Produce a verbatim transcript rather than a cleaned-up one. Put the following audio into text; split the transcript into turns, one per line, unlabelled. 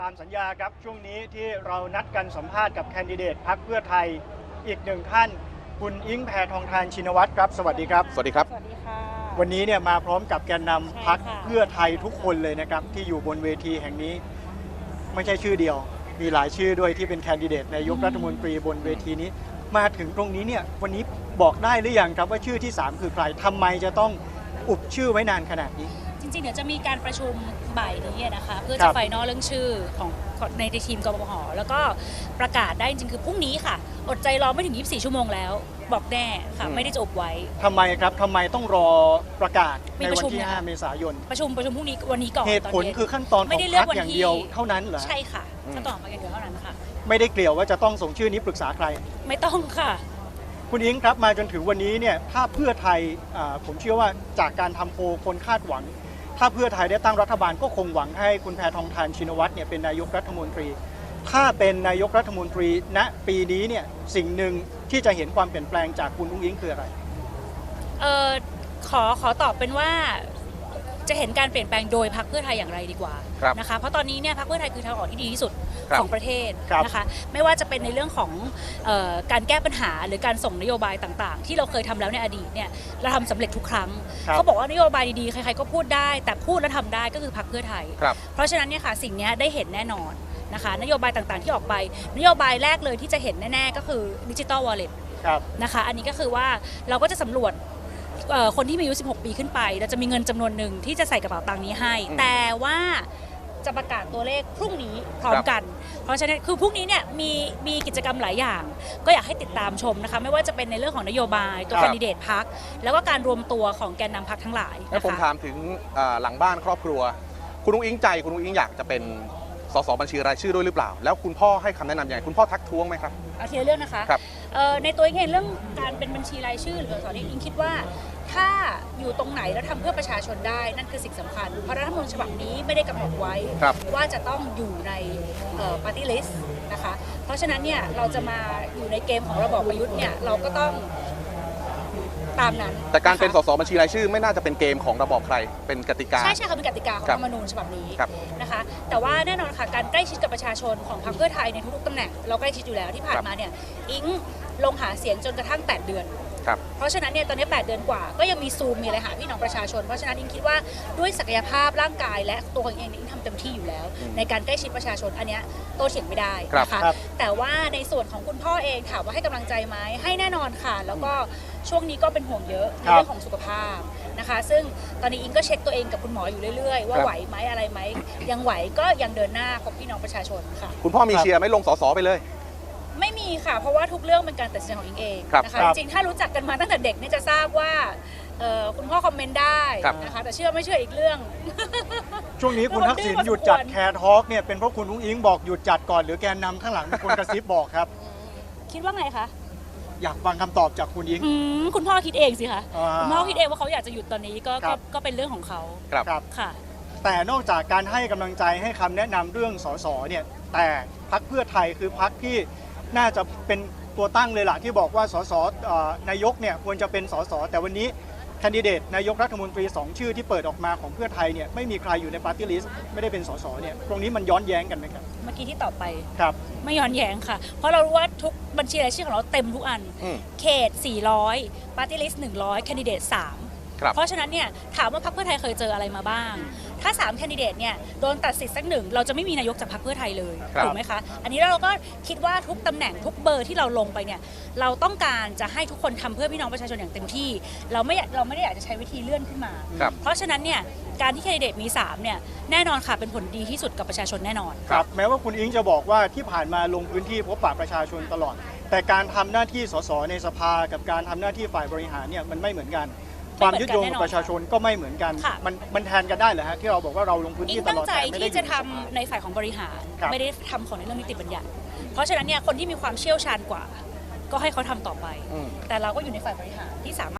ตามสัญญาครับช่วงนี้ที่เรานัดกันสัมภาษณ์กับแคนดิเดตพรรคเพื่อไทยอีกหนึ่งท่านคุณอิงแพทองธารชินวัตรครับสวัสดีครับ
สวัสดีครับ
สวัสดีค่ะ
วันนี้เนี่ยมาพร้อมกับแกนนำพรรค
ใช่ค่ะ
เพื่อไทยทุกคนเลยนะครับที่อยู่บนเวทีแห่งนี้ไม่ใช่ชื่อเดียว มีหลายชื่อด้วยที่เป็นแคนดิเดตนายกรัฐมนตรีบนเวทีนี้มาถึงตรงนี้เนี่ยวันนี้บอกได้หรือยังครับว่าชื่อที่สามคือใครทำไมจะต้องอุบชื่อไว้นานขนาดนี้
จริงๆเดี๋ยวจะมีการประชุมบ่ายนี้นะคะเพื่อ
ค
จะ
รับ
ไฟนอลเรื่องชื่อของในทีมกบพแล้วก็ประกาศได้จริงๆคือพรุ่งนี้ค่ะอดใจรอไม่ถึงยี่สิบสี่ชั่วโมงแล้วบอกแน่ค่ะไม่ได้จะอบไว้
ทำไมครับทำไมต้องรอประกาศ
มี
ใน
ประ
วัน
ชุม
ที่
นะคะ
ห้าเมษายน
ประชุมประชุมพรุ่งนี้วันนี้ก่อน
เหตุผล
ตนเย็น
คือขั้นตอนข
ไม่
อง
ได้เลื
พ
อ
ร
ก
รค
วัน
อย่าง
ที่
เดียวเท่านั้นเหรอ
ใช่ค่ะขั้นตอนของพรรคอย่างเดียวเท่านั้นค่ะ
ไม่ได้เกลี่ยวว่าจะต้องส่งชื่อนี้ปรึกษาใคร
ไม่ต้องค่ะ
คุณอิงครับมาจนถึงวันนี้เนี่ยถ้าเพื่อไทยอ่าผมเชื่อว่าจากการทำโพลคนคาดหวัง ถ้าเพื่อไทยได้ตั้งรัฐบาลก็คงหวังให้คุณแพทองธารชินวัตรเนี่ยเป็นนายกรัฐมนตรี ถ้าเป็นนายกรัฐมนตรีณปีนี้เนี่ยสิ่งหนึ่งที่จะเห็นความเปลี่ยนแปลงจากคุณอุ้งอิงคืออะไร
เออขอขอตอบเป็นว่าจะเห็นการเปลี่ยนแปลงโดยพรรคเพื่อไทยอย่างไรดีกว่า
ครับ
นะคะเพราะตอนนี้เนี่ยพรรคเพื่อไทยคือทางออกที่ดีที่สุด
ครับ
ของประเทศ
ครับ
นะคะไม่ว่าจะเป็นในเรื่องของเออการแก้ปัญหาหรือการส่งนโยบายต่างๆ ที่เราเคยทำแล้วในอดีตเนี่ยเราทำสำเร็จทุกครั้ง
ครับ
เขาบอกว่านโยบายดีๆใครๆก็พูดได้ แต่พูดและทำได้ก็คือพรรคเพื่อไทย
ครับ
เพราะฉะนั้นเนี่ยค่ะสิ่งนี้ได้เห็นแน่นอนนะคะนโยบายต่างๆที่ออกไป นโยบายแรกเลยที่จะเห็นแน่ๆก็คือดิจิ t a ลวอลเล็ต
ครับ
นะคะอันนี้ก็คือว่าเราก็จะสำรวจเอ่อคนที่มีอายุสิบหกปีขึ้นไปเราจะมีเงินจำนวนหนึ่งที่จะใส่กระเป๋าตังค์นี้ให้
อืม
แต่ว่าจะประกาศตัวเลขพรุ่งนี้พร้อมกัน เพราะฉะนั้นคือพรุ่งนี้เนี่ยมีมีกิจกรรมหลายอย่าง ก็อยากให้ติดตามชมนะคะไม่ว่าจะเป็นในเรื่องของนโยบายตัว
ครับ
แคนดิเดตพรรคแล้วก็การรวมตัวของแกนนำพรรคทั้งหลาย
งั้น
นะ
ผม
คะ
ถามถึงอ่าหลังบ้านครอบครัว คุณอุ้งอิงใจ คุณอุ้งอิงอยากจะเป็นสสบัญชีรายชื่อด้วยหรือเปล่า แล้วคุณพ่อให้คำแนะนำยังไงคุณพ่อทักท้วงไหมครับ
เอาทีละเรื่องนะคะ
ครับ
เอ่อในตัวเองเรื่องการเป็นบัญชีรายชื่อหรือสอนอิงคิดว่าถ้าอยู่ตรงไหนแล้วทำเพื่อประชาชนได้นั่นคือสิ่งสำคัญ เพราะรัฐธรรมนูญฉบับนี้ไม่ได้กำหนดไว้
ครับ
ว่าจะต้องอยู่ในปาร์ตี้ลิสต์นะคะ เพราะฉะนั้นเนี่ยเราจะมาอยู่ในเกมของระบอบประยุทธ์เนี่ยเราก็ต้องตามนั้น
แต่การเป็น
ะ
ส
คะ
สบัญชีรายชื่อไม่น่าจะเป็นเกมของระบอบใคร เป็นกติกา
ใช่ใช่ค่ะเป็นกติกาของ
ครั
รับ ฐธรรมนูญฉบับนี้
ครับ
นะคะ แต่ว่าแน่นอนค่ะการใกล้ชิดกับประชาชนของพรรคเพื่อไทยในทุกๆตำแหน่งเราใกล้ชิดอยู่แล้วที่ผ่านมาเนี่ยอิงลงหาเสียงจนกระทั่งแปดเดือน
ครับ
เพราะฉะนั้นเนี่ยตอนนี้แปดเดือนกว่าก็ยังมีซูมมีอะไรหาพี่น้องประชาชน เพราะฉะนั้นอิงคิดว่าด้วยศักยภาพร่างกายและตัวของเองเนี่ยอิงทำเต็มที่อยู่แล้ว
อืม
ในการใกล้ชิดประชาชนอันเนี้ยโต้เถียงไม่ได้
ครับ
นะคะ
ครับ
แต่ว่าในส่วนของคุณพ่อเองถามว่าให้กำลังใจไหมให้แน่นอนค่ะ แล้วก็ช่วงนี้ก็เป็นห่วงเยอะใน
ครับ
เรื่องของสุขภาพนะคะ ซึ่งตอนนี้อิงก็เช็คตัวเองกับคุณหมออยู่เรื่อยๆ ว่า
ครับ
ไหวไหมอะไรไหมยังไหวก็ยังเดินหน้าพบพี่น้องประชาชนค่ะ
คุณพ่อมี
ครับ
เชียร์ไหม่ลงสสไปเลย
ไม่มีค่ะ เพราะว่าทุกเรื่องเป็นการตัดสินใจของอิงเอง
ครับ
นะคะ
ครับ
จริงๆถ้ารู้จักกันมาตั้งแต่เด็กเนี่ยจะทราบว่าเอ่อคุณพ่อคอมเมนต์ได้
ครับ
นะคะแต่เชื่อไม่เชื่ออีกเรื่อง
ช่วงนี้คุณทักษิณหยุดจัดแคร์ทอล์กเนี่ยเป็นเพราะคุณอุ้งอิงบอกหยุดจัดก่อนหรือแกนนำข้างหลังเป็นคนกระซิบบอกครับ
คิดว่าไงคะ
อยากฟังคำตอบจากคุณอิง
อืมคุณพ่อคิดเองสิคะ
อ่า
คุณพ่อคิดเองว่าเขาอยากจะหยุดตอนนี้ก็
ครั
ก็
บ
ก็เป็นเรื่องของเขา
ครับ
ครับ
ค่ะ
แต่นอกจากการให้กำลังใจให้คำแนะนำเรื่องสสเนี่ยแต่พรรคเพื่อไทยคือพรรคที่น่าจะเป็นตัวตั้งเลยล่ะที่บอกว่าสสเอ่อนายกเนี่ยควรจะเป็นสสแต่วันนี้แคนดิเดตนายกรัฐมนตรีสองชื่อที่เปิดออกมาของเพื่อไทยเนี่ยไม่มีใครอยู่ในปาร์ตี้ลิสต์ไม่ได้เป็นสสเนี่ยตรงนี้มันย้อนแย้งกันไหมครับ
เมื่อกี้ที่ตอบไป
ครับ
ไม่ย้อนแย้งค่ะ เพราะเรารู้ว่าทุกบัญชีรายชื่อของเราเต็มทุกอัน
อืม
เขต สี่ร้อย ปาร์ตี้ลิสต์ หนึ่งร้อย แคนดิเดต สาม
ครับ
เพราะฉะนั้นเนี่ยถามว่าพรรคเพื่อไทยเคยเจออะไรมาบ้าง ถ้า สาม แคนดิเดตเนี่ยโดนตัดสิทธิ์สักหนึ่งเราจะไม่มีนายกจากพรรคเพื่อไทยเลย
ครับ
ถูกไหมคะ อันนี้เราก็คิดว่าทุกตำแหน่งทุกเบอร์ที่เราลงไปเนี่ยเราต้องการจะให้ทุกคนทำเพื่อพี่น้องประชาชนอย่างเต็มที่ เราไม่อยากเราไม่ได้อยากจะใช้วิธีเลื่อนขึ้นมา
ครับ
เพราะฉะนั้นเนี่ยการที่แคนดิเดตมีสามเนี่ยแน่นอนค่ะเป็นผลดีที่สุดกับประชาชนแน่นอน
ครับแม้ว่าคุณอิงจะบอกว่าที่ผ่านมาลงพื้นที่พบปะประชาชนตลอด แต่การทำหน้าที่สสในสภากับการทำหน้าที่ฝ่ายบริหารเนี่ยมันไม่เหมือนกัน ความยึดโยงกับประชาชนก็ไม่เหมือนกัน
ค่ะ
มันมันแทนกันได้เหรอฮะที่เราบอกว่าเราลงพื้น
อิ
ที่
ง
ต
ตั้
ล
ง
อด
ใจ
แต่ไม่ได้
ที่
อยู่
จะ
ใน
ทำ
สภา
ในฝ่ายของบริหาร
ครับ
ไม่ได้ทำของในเรื่องนิติบัญญัติ เพราะฉะนั้นเนี่ยคนที่มีความเชี่ยวชาญกว่า ก็ให้เขาทำต่อไป
อืม
แต่เราก็อยู่ในฝ่ายบริหารที่สามารถ